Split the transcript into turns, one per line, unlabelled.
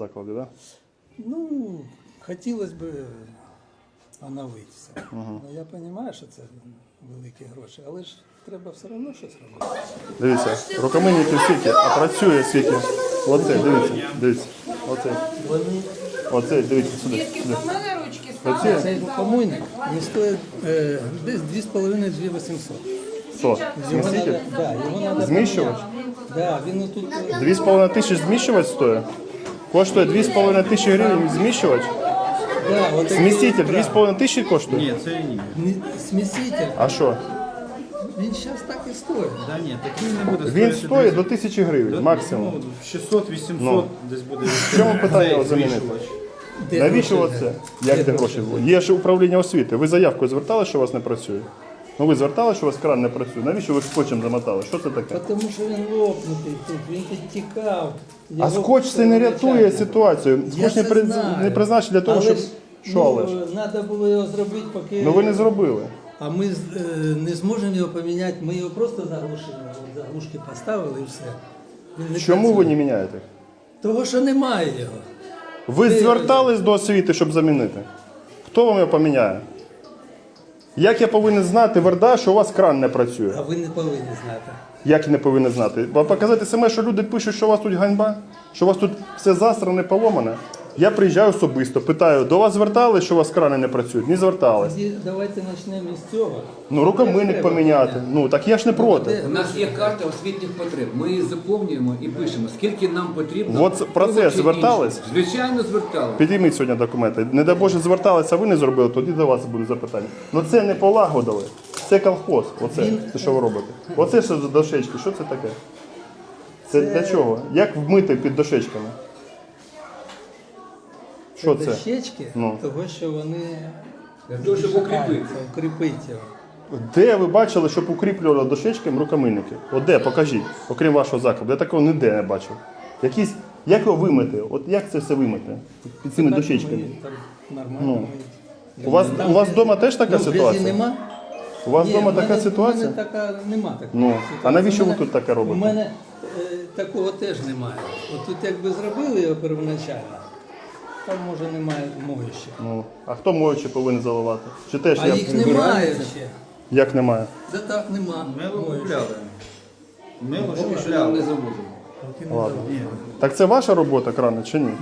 закладі, так? Да?
Ну, хотілося б оновитися. Ну, я розумію, що це великі гроші, але ж треба все одно щось робити.
Дивіться, рукомийники скільки, а працює скільки. Оце, дивіться. Оце, дивіться, сюди. Працює?
Цей рукомийник не стоїть десь 2,5-2,800.
Що? Зміститель?
Да, його треба
Зміщувач?
Да, він отут.
2,5 тисячі зміщувач стоїть? Коштує 2,5 тисячі гривень зміщувач?
Да, отакий
Зміститель
екран.
2,5 тисячі коштує?
Ні, це ні.
Сміситель,
А що?
він зараз так і стоїть.
Да ні, такий не буде
Він
стоїти
стоїть до
десь-
1000 гривень максимум.
Ну, 600-800
Ну.
десь буде.
В чому питання його замінити?
Де
Навіщо
гроші?
оце? Як де гроші? Є ж управління освіти. Ви заявкою звертали, що у вас не працює? Ну ви звертали, що у вас кран не працює. Навіщо ви скотчем замотали? Що це таке?
Тому що він лопнутий тут, він підтікав.
А
Його
скотч це не рятує
перевичайно.
ситуацію.
Я
Скотч
це знаю.
не призначений для того,
Але
щоб.
ж,
Що але ж?
треба було його зробити, поки...
Ну ви не зробили.
А ми не зможемо його поміняти, ми його просто заглушили. Заглушки поставили і все. Він не
Чому ви
працює.
не міняєте?
Того, що немає його.
Ви звертались до освіти, щоб замінити? Хто вам його поміняє? Як я повинен знати, Верда, що у вас кран не працює?
А ви не повинні знати.
Як не повинен знати? Бо показати саме, що люди пишуть, що у вас тут ганьба, що у вас тут все засране, поломане. Я приїжджаю особисто, питаю, до вас звертались, що у вас крани не працюють? Не звертались.
Тоді давайте почнемо з цього.
Ну, рукомийник
Треба
поміняти.
поміняти.
Ну, так я ж не проти.
У нас є карта освітніх потреб. Ми її заповнюємо і пишемо, скільки нам потрібно.
От про це
того чи
звертались?
іншого. Звичайно, звертались.
Підійміть сьогодні документи. Не дай Боже, зверталися, а ви не зробили, тоді до вас буде запитання. Ну це не полагодили. Це колхоз. Оце, це що ви робите. Оце що за дощечки, що це таке? Це для чого? Як вмити під дощечками? Що це?
Дощечки,
Ну.
того, що вони
Для того, щоб укріпити.
укріпити його.
Де ви бачили, щоб укріплювали дощечками рукомийники? От де, покажіть, окрім вашого закладу. Я такого ніде не бачив. Якісь, як його вимити? От як це все вимити? Під цими дощечками.
Ми там нормально
Ну.
миють.
У вас вдома теж така
Ну, грязі
ситуація?
нема?
У вас
Ні,
вдома
в мене-
така
в
ситуація?
мене така, нема такої
Ну,
ситуації.
а навіщо
У
ви
мене-
тут таке робите?
У мене такого теж немає. От тут якби зробили його первоначально, там може немає моющих.
Ну, а хто моючи повинен заливати? Чи теж
А
я
їх немає ще.
Як немає?
Да так нема.
Мило
моющих.
купляли. Мило ж
Поки що нам
купляли.
не завозимо.
Поки не
Ладно.
давали.
Так це ваша робота, крани, чи ні?